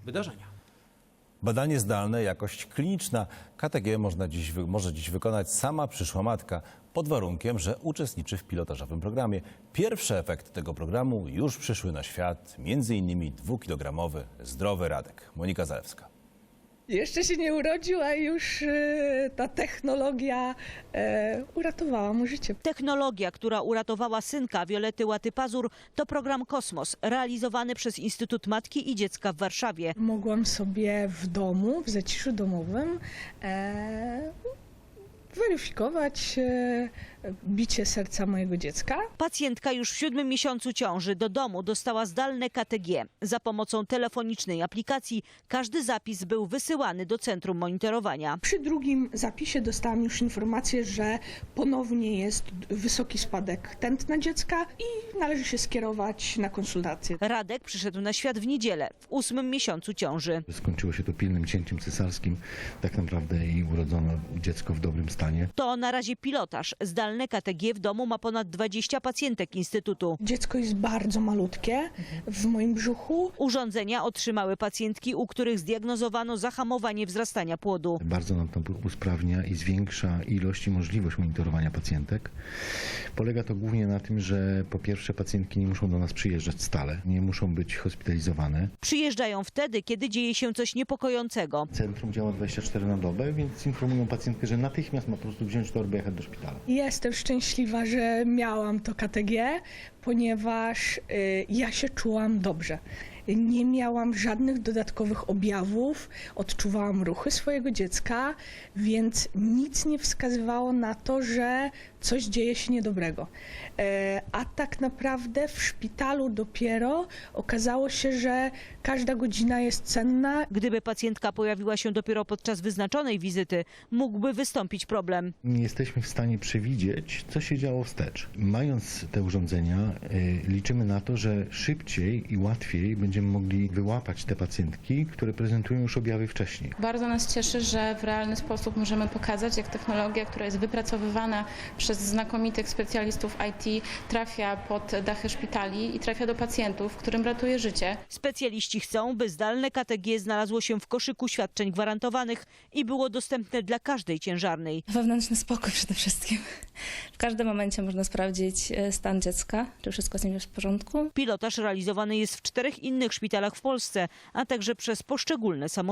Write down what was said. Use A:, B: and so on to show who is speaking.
A: wydarzenia.
B: Badanie zdalne, jakość kliniczna. KTG może dziś wykonać sama przyszła matka, pod warunkiem, że uczestniczy w pilotażowym programie. Pierwsze efekty tego programu już przyszły na świat, m.in. 2-kilogramowy zdrowy Radek. Monika Zalewska.
C: Jeszcze się nie urodził, a już ta technologia uratowała mu życie.
D: Technologia, która uratowała synka Violetty Łaty-Pazur, to program Kosmos, realizowany przez Instytut Matki i Dziecka w Warszawie.
C: Mogłam sobie w domu, w zaciszu domowym weryfikować bicie serca mojego dziecka.
D: Pacjentka już w 7. miesiącu ciąży do domu dostała zdalne KTG. Za pomocą telefonicznej aplikacji każdy zapis był wysyłany do centrum monitorowania.
C: Przy drugim zapisie dostałam już informację, że ponownie jest wysoki spadek tętna dziecka i należy się skierować na konsultację.
D: Radek przyszedł na świat w niedzielę, w 8. miesiącu ciąży.
E: Skończyło się to pilnym cięciem cesarskim. Tak naprawdę i urodzono dziecko w dobrym stanie.
D: To na razie pilotaż. Zdalne KTG w domu ma ponad 20 pacjentek Instytutu.
C: Dziecko jest bardzo malutkie w moim brzuchu.
D: Urządzenia otrzymały pacjentki, u których zdiagnozowano zahamowanie wzrastania płodu.
E: Bardzo nam to usprawnia i zwiększa ilość i możliwość monitorowania pacjentek. Polega to głównie na tym, że po pierwsze pacjentki nie muszą do nas przyjeżdżać stale, nie muszą być hospitalizowane.
D: Przyjeżdżają wtedy, kiedy dzieje się coś niepokojącego.
E: Centrum działa 24 na dobę, więc informują pacjentkę, że natychmiast ma po prostu wziąć torbę i jechać do szpitala.
C: Jestem szczęśliwa, że miałam to KTG, ponieważ ja się czułam dobrze. Nie miałam żadnych dodatkowych objawów, odczuwałam ruchy swojego dziecka, więc nic nie wskazywało na to, że coś dzieje się niedobrego. A tak naprawdę w szpitalu dopiero okazało się, że każda godzina jest cenna.
D: Gdyby pacjentka pojawiła się dopiero podczas wyznaczonej wizyty, mógłby wystąpić problem.
E: Nie jesteśmy w stanie przewidzieć, co się działo wstecz. Mając te urządzenia, liczymy na to, że szybciej i łatwiej będziemy mogli wyłapać te pacjentki, które prezentują już objawy wcześniej.
F: Bardzo nas cieszy, że w realny sposób możemy pokazać, jak technologia, która jest wypracowywana przez znakomitych specjalistów IT, trafia pod dachy szpitali i trafia do pacjentów, którym ratuje życie.
D: Specjaliści chcą, by zdalne KTG znalazło się w koszyku świadczeń gwarantowanych i było dostępne dla każdej ciężarnej.
G: Wewnętrzny spokój przede wszystkim. W każdym momencie można sprawdzić stan dziecka, czy wszystko z nim jest w porządku.
D: Pilotaż realizowany jest w 4 innych szpitalach w Polsce, a także przez poszczególne samorządy.